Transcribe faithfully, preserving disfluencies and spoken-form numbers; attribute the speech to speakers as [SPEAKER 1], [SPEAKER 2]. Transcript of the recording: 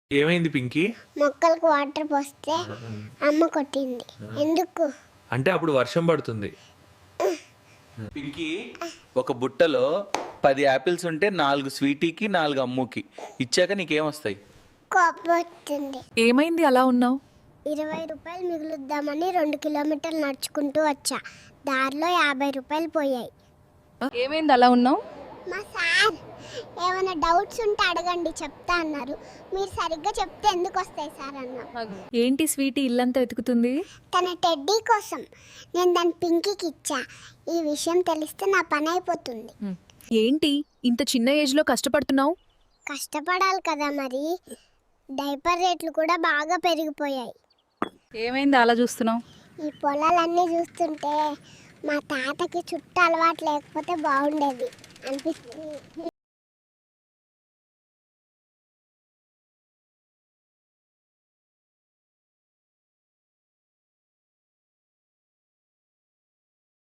[SPEAKER 1] ఏమైంది పింకీ?
[SPEAKER 2] మొక్కలకు వాటర్ పోస్తే అమ్మ కొట్టింది. ఎందుకు
[SPEAKER 1] అంటే అప్పుడు వర్షం పడుతుంది. పింకీ, ఒక బుట్టలో పది యాపిల్స్ ఉంటే నాలుగు స్వీటీకి నాలుగు అమ్ముకి ఇచ్చాక నీకేమొస్తాయి?
[SPEAKER 2] కోపం వచ్చింది.
[SPEAKER 3] ఏమైంది అలా ఉన్నావు?
[SPEAKER 2] ఇరవై రూపాయలు మిగులుద్దామని రెండు కిలోమీటర్లు నడుచుకుంటూ వచ్చా. దారిలో యాభై రూపాయలు పోయాయి.
[SPEAKER 3] ఏమైంది అలా ఉన్నావు?
[SPEAKER 2] మా సార్ ఏమైనా డౌట్స్ ఉంటే అడగండి చెప్తా అన్నారు. మీరు సరిగ్గా చెప్తే ఎందుకు వస్తాయి సార్ అన్నా.
[SPEAKER 3] ఏంటి స్వీటీ ఇల్లంతా వెతుకుతుంది?
[SPEAKER 2] తన టెడ్డీ కోసం. నేను దాని పింకీకి ఇచ్చా. ఈ విషయం తెలిస్తే నా పని అయిపోతుంది.
[SPEAKER 3] ఏంటి ఇంత చిన్న ఏజ్ లో కష్టపడుతున్నావు?
[SPEAKER 2] కష్టపడాలి కదా మరి. డైపర్ రేట్లు కూడా బాగా పెరిగిపోయాయి.
[SPEAKER 3] ఏమైంది అలా చూస్తున్నావు?
[SPEAKER 2] ఈ పొలాలన్నీ చూస్తుంటే మా తాతకి చుట్టూ అలవాటు లేకపోతే బాగుండేది అనిపిస్తుంది.